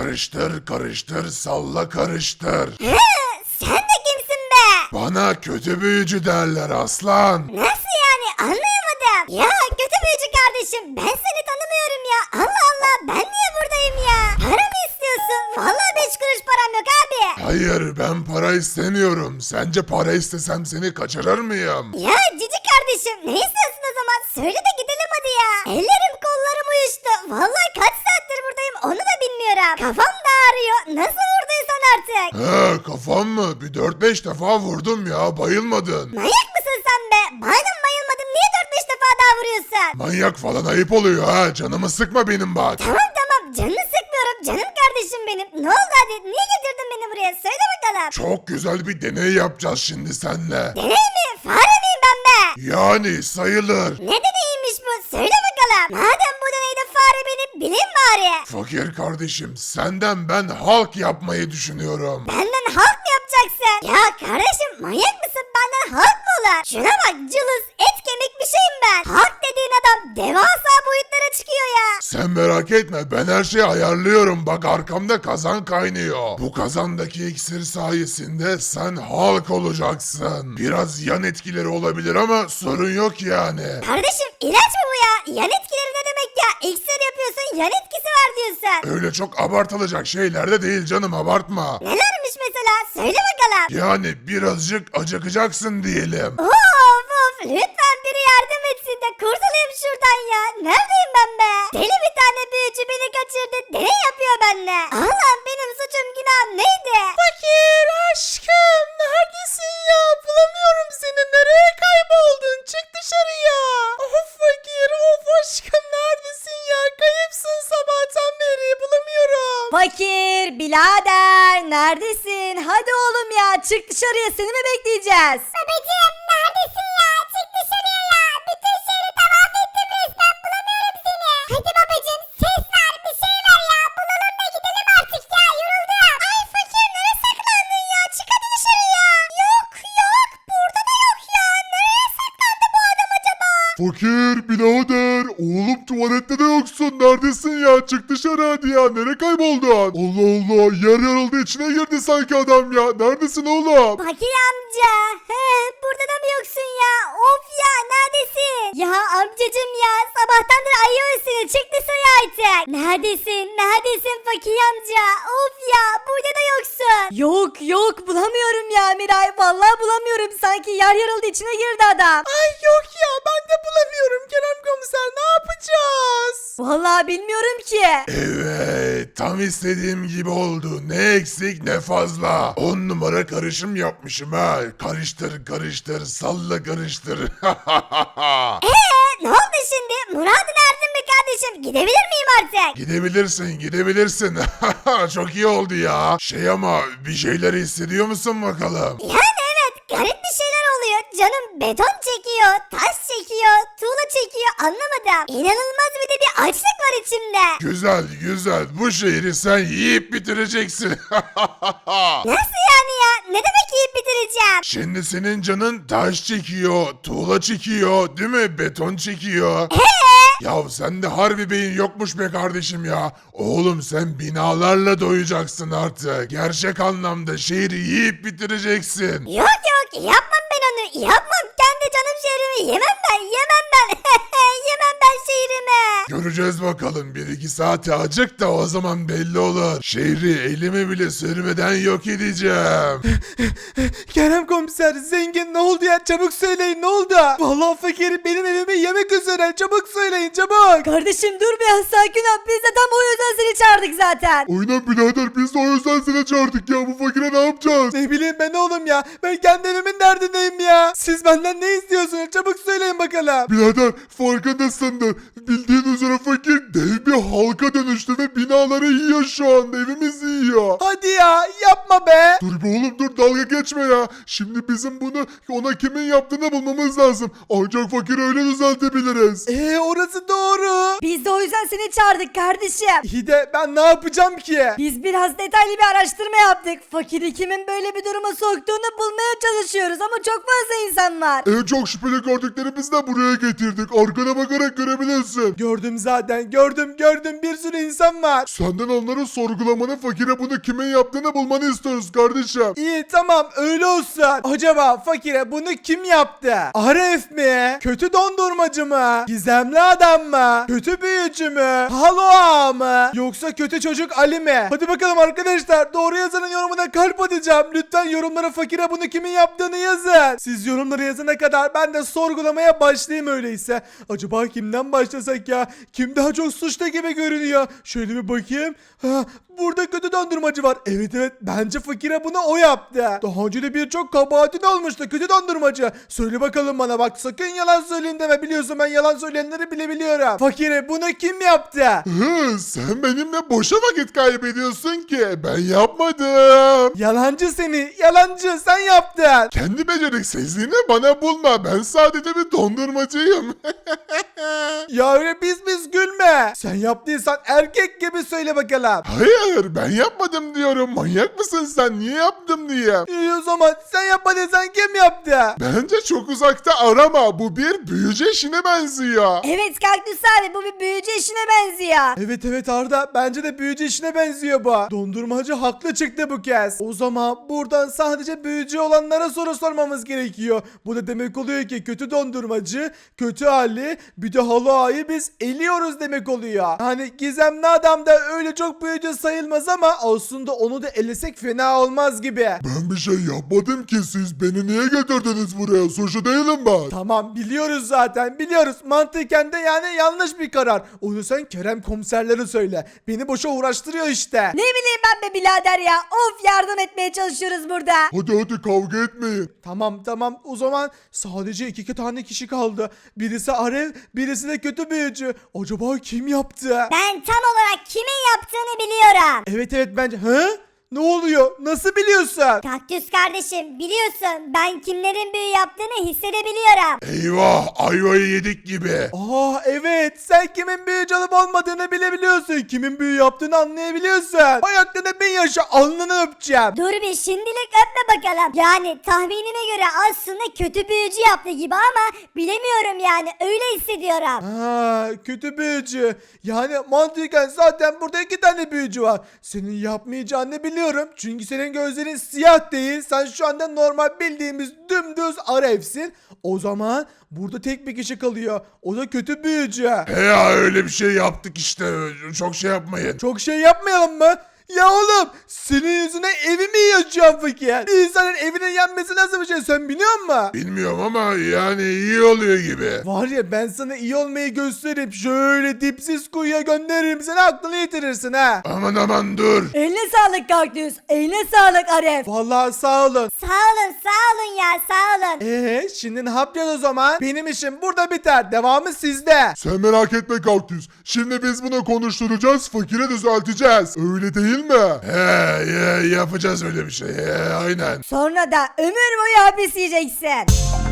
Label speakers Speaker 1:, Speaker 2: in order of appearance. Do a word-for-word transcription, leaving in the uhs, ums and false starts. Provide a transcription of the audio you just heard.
Speaker 1: karıştır karıştır salla karıştır.
Speaker 2: Hı, sen de kimsin be?
Speaker 1: Bana kötü büyücü derler aslan.
Speaker 2: Nasıl yani anlayamadım. Ya kötü büyücü kardeşim ben seni tanımıyorum ya. Allah Allah ben niye buradayım ya? Para mı istiyorsun? Vallahi beş kuruş param yok abi.
Speaker 1: Hayır ben para istemiyorum. Sence para istesem seni kaçırır mıyım?
Speaker 2: Ya cici kardeşim ne istiyorsun o zaman? Söyle de gidelim hadi ya. Ellerim kollarım uyuştu. Vallahi kaç saattir buradayım onu da bilmiyorum. Kafam da ağrıyor. Nasıl vurduysan artık.
Speaker 1: He kafam mı? Bir dört beş defa vurdum ya bayılmadın.
Speaker 2: Manyak mısın sen be? Madem bayılmadın niye dört beş defa daha vuruyorsun?
Speaker 1: Manyak falan ayıp oluyor ha. Canımı sıkma benim bak.
Speaker 2: Tamam tamam canını sıkmıyorum canım kardeşim benim. Ne oldu hadi niye getirdin beni buraya söyle bakalım.
Speaker 1: Çok güzel bir deney yapacağız şimdi seninle.
Speaker 2: Deney mi? Fare miyim ben be?
Speaker 1: Yani sayılır.
Speaker 2: Ne deneymiş bu söyle bakalım. Madem bu deneyde fare benim bilin bari.
Speaker 1: Fakir kardeşim senden ben halk yapmayı düşünüyorum.
Speaker 2: Benden halk mı yapacaksın? Ya kardeşim manyak mısın benden halk mı olur? Şuna bak cılız et kemik bir şeyim ben. Halk dediğin adam devasa boyutlara çıkıyor ya.
Speaker 1: Sen merak etme ben her şeyi ayarlıyorum bak arkamda kazan kaynıyor. Bu kazandaki iksir sayesinde sen halk olacaksın. Biraz yan etkileri olabilir ama sorun yok yani.
Speaker 2: Kardeşim ilaç mı bu ya? Yan etkileri ne demek ya? İksir yapıyorsun yan etkisi var diyorsun.
Speaker 1: Öyle çok abartılacak şeyler de değil canım abartma.
Speaker 2: Nelermiş mesela? Söyle bakalım.
Speaker 1: Yani birazcık acıkacaksın diyelim.
Speaker 2: Of of lütfen biri yardım etsin de kurtulayım şuradan ya. Neredeyim ben be? Deli bir tane büyücü beni kaçırdı. Deney yapıyor benimle. Allah'ım benim suçum günahım neydi?
Speaker 3: Fakir aşkım neredesin ya? Bulamıyorum seni. Nereye kayboldun? Çık dışarıya. Of fakir of aşkım neredesin ya? Kayıpsın sabahtan beri bulamıyorum.
Speaker 4: Fakir, birader neredesin? Hadi oğlum ya çık dışarıya seni mi bekleyeceğiz?
Speaker 2: Babacığım neredesin ya? Çık dışarıya ya. Bütün şehri tavaf ettim resmen bulamıyorum seni. Hadi babacığım ses ver bir şey ver ya. Bulalım da gidelim artık ya yoruldum. Ay fakir nereye saklandın ya? Çık hadi dışarıya. Yok yok burada da yok ya. Nereye saklandı bu adam acaba?
Speaker 1: Fakir birader oğlum tuvalette de yoksun neredesin ya çık dışarı hadi ya nereye kayboldun? Allah Allah yer yarıldı içine girdi sanki adam ya neredesin oğlum?
Speaker 2: Fakir amca. He, burada da mı yoksun ya? Of ya neredesin? Ya amcacım ya sabahtandır ayıyoruz seni çık dışarı artık. Neredesin? Neredesin fakir amca? Of ya burada da yoksun.
Speaker 4: Yok yok bulamıyorum ya Miray. Vallahi bulamıyorum. Sanki yer yarıldı içine girdi adam.
Speaker 3: Ay yok ya ben de bulamıyorum Kerem komiser ne yapacağız?
Speaker 4: Vallahi bilmiyorum ki.
Speaker 1: Evet tam istediğim gibi oldu ne eksik ne fazla. On numara karışım yapmışım ha karıştır karıştır salla karıştır.
Speaker 2: Eee ne oldu şimdi? Murat'ın erdin mi kardeşim? Gidebilir miyim artık?
Speaker 1: Gidebilirsin gidebilirsin. Çok iyi oldu ya. Şey ama bir şeyler hissediyor musun bakalım?
Speaker 2: Yani evet garip bir şeyler oluyor. Canım beton çekiyor, taş çekiyor, tuğla çekiyor anlamadım. İnanılmaz bir de bir açlık var içimde.
Speaker 1: Güzel güzel bu şehri sen yiyip bitireceksin.
Speaker 2: Nasıl yani ya? Ne demek yiyip bitireceğim?
Speaker 1: Şimdi senin canın taş çekiyor, tuğla çekiyor, değil mi? Beton çekiyor.
Speaker 2: Eee?
Speaker 1: Ya sende harbi beyin yokmuş be kardeşim ya. Oğlum sen binalarla doyacaksın artık. Gerçek anlamda şehri yiyip bitireceksin.
Speaker 2: Yok yok yapmam ben onu. Yapmam kendi canım şehrimi yemem ben yemem ben. Yemem ben şehrimi.
Speaker 1: Göreceğiz bakalım bir iki saate acık da o zaman belli olur. Şehri elime bile sürmeden yok edeceğim.
Speaker 3: Kerem komiser zengin ne oldu ya çabuk söyleyin ne oldu? Vallahi fakir benim evime yemek üzere çabuk söyleyin çabuk.
Speaker 4: Kardeşim dur biraz sakin ol. Biz de tam o yüzden seni çağırdık zaten.
Speaker 1: Aynen birader biz de o yüzden seni çağırdık ya bu fakire ne yapacağız?
Speaker 3: Ne bileyim ben oğlum ya ben kendi evimin derdindeyim ya. Siz benden ne istiyorsunuz çabuk söyleyin bakalım.
Speaker 1: Birader farkındasındır. Bildiğin üzere fakir dev bir halka dönüştü ve binaları yiyor şu anda evimizi yiyor.
Speaker 3: Hadi ya yapma be.
Speaker 1: Dur be oğlum dur dalga geçme ya. Şimdi bizim bunu ona kimin yaptığını bulmamız lazım. Ancak fakir öyle düzeltebiliriz.
Speaker 3: Eee orası doğru.
Speaker 4: Biz de o yüzden seni çağırdık kardeşim.
Speaker 3: İyi de ben ne yapacağım ki?
Speaker 4: Biz biraz detaylı bir araştırma yaptık. Fakiri kimin böyle bir duruma soktuğunu bulmaya çalışıyoruz ama çok fazla insan var.
Speaker 1: En çok şüpheli gördüklerimizi de buraya getirdik. Arkana bakarak görebilirsin. misin?
Speaker 3: Gördüm zaten gördüm gördüm bir sürü insan var.
Speaker 1: Senden onları sorgulamanı, fakire bunu kimin yaptığını bulmanı istiyoruz kardeşim.
Speaker 3: İyi tamam öyle olsun. Acaba fakire bunu kim yaptı? Arif mi? Kötü dondurmacı mı? Gizemli adam mı? Kötü büyücü mü? Halo ağa mı? Yoksa kötü çocuk Ali mi? Hadi bakalım arkadaşlar, doğru yazanın yorumuna kalp atacağım. Lütfen yorumlara fakire bunu kimin yaptığını yazın. Siz yorumları yazana kadar ben de sorgulamaya başlayayım öyleyse. Acaba kimden başlasak ya? Kim daha çok suçlu gibi görünüyor? Şöyle bir bakayım. Ha, burada kötü dondurmacı var. Evet evet, bence fakire bunu o yaptı. Daha önce de birçok kabahatin olmuştu kötü dondurmacı. Söyle bakalım bana, bak sakın yalan söyleyeyim deme, biliyorsun ben yalan söyleyenleri bile biliyorum. Fakire bunu kim yaptı?
Speaker 1: Hı, sen benimle boşa vakit kaybediyorsun ki. Ben yapmadım.
Speaker 3: Yalancı seni, yalancı, sen yaptın.
Speaker 1: Kendi beceriksizliğini bana bulma. Ben sadece bir dondurmacıyım.
Speaker 3: Ya öyle biz biz gülme. Sen yaptıysan erkek gibi söyle bakalım.
Speaker 1: Hayır, ben yapmadım diyorum. Manyak mısın sen? Niye yaptım diye.
Speaker 3: İyi o zaman sen yapmadıysan kim yaptı?
Speaker 1: Bence çok uzakta arama. Bu bir büyücü işine benziyor.
Speaker 4: Evet Kaktüs abi, bu bir büyücü işine benziyor.
Speaker 3: Evet evet Arda, bence de büyücü işine benziyor bu. Dondurmacı haklı çıktı bu kez. O zaman buradan sadece büyücü olanlara soru sormamız gerekiyor. Bu da demek oluyor ki kötü dondurmacı, kötü Ali, bir de Halo Ağa'yı biz eliyoruz demek oluyor. Yani gizemli adam da öyle çok büyücü sayılmaz ama aslında onu da elesek fena olmaz gibi.
Speaker 1: Ben bir şey yapmadım ki, siz beni niye getirdiniz buraya? Suçlu değilim ben.
Speaker 3: Tamam biliyoruz zaten, biliyoruz. Mantıken de yani yanlış bir karar. Onu sen Kerem komiserlere söyle. Beni boşa uğraştırıyor işte.
Speaker 4: Ne bileyim ben be birader ya. Of, yardım etmeye çalışıyoruz burada.
Speaker 1: Hadi hadi kavga etmeyin.
Speaker 3: Tamam tamam, o zaman sadece iki, iki tane kişi kaldı. Birisi Arif, birisi de kötü büyücü. Acaba kim yaptı?
Speaker 2: Ben tam olarak kimin yaptığını biliyorum.
Speaker 3: Evet evet bence. Hı? Ne oluyor? Nasıl biliyorsun?
Speaker 2: Kaktüs kardeşim, biliyorsun ben kimlerin büyü yaptığını hissedebiliyorum.
Speaker 1: Eyvah, ayvayı yedik gibi.
Speaker 3: Aa evet, sen kimin büyücü olup olmadığını bilebiliyorsun. Kimin büyü yaptığını anlayabiliyorsun. Ayaklarına bin yaşa, alnını öpeceğim.
Speaker 2: Dur bir şimdilik öpme bakalım. Yani tahminime göre aslında kötü büyücü yaptı gibi ama bilemiyorum yani, öyle hissediyorum.
Speaker 3: Ha, kötü büyücü. Yani mantıken zaten burada iki tane büyücü var. Senin yapmayacağını biliyorum. Çünkü senin gözlerin siyah değil. Sen şu anda normal bildiğimiz dümdüz Arif'sin. O zaman burada tek bir kişi kalıyor. O da kötü büyücü.
Speaker 1: He ya, öyle bir şey yaptık işte. Çok şey yapmayın.
Speaker 3: Çok şey yapmayalım mı? Ya oğlum, senin yüzüne evimi yakacağım fakir. Bir insanın evinin yanması nasıl bir şey, sen biliyor musun?
Speaker 1: Bilmiyorum ama yani iyi oluyor gibi.
Speaker 3: Var ya, ben sana iyi olmayı gösterip şöyle dipsiz kuyuya gönderirim, seni aklını yitirirsin ha.
Speaker 1: Aman aman dur.
Speaker 4: Eline sağlık Kaktüs. Eline sağlık Arif.
Speaker 3: Vallahi sağ olun.
Speaker 2: Sağ olun, sağ olun ya, sağ olun.
Speaker 3: Eee şimdi ne yapacağız o zaman? Benim işim burada biter. Devamı sizde.
Speaker 1: Sen merak etme Kaktüs. Şimdi biz bunu konuşturacağız, fakire düzelteceğiz. Öyle değil mi? He, he yapacağız öyle bir şey. He, aynen.
Speaker 4: Sonra da ömür boyu hapis yiyeceksin.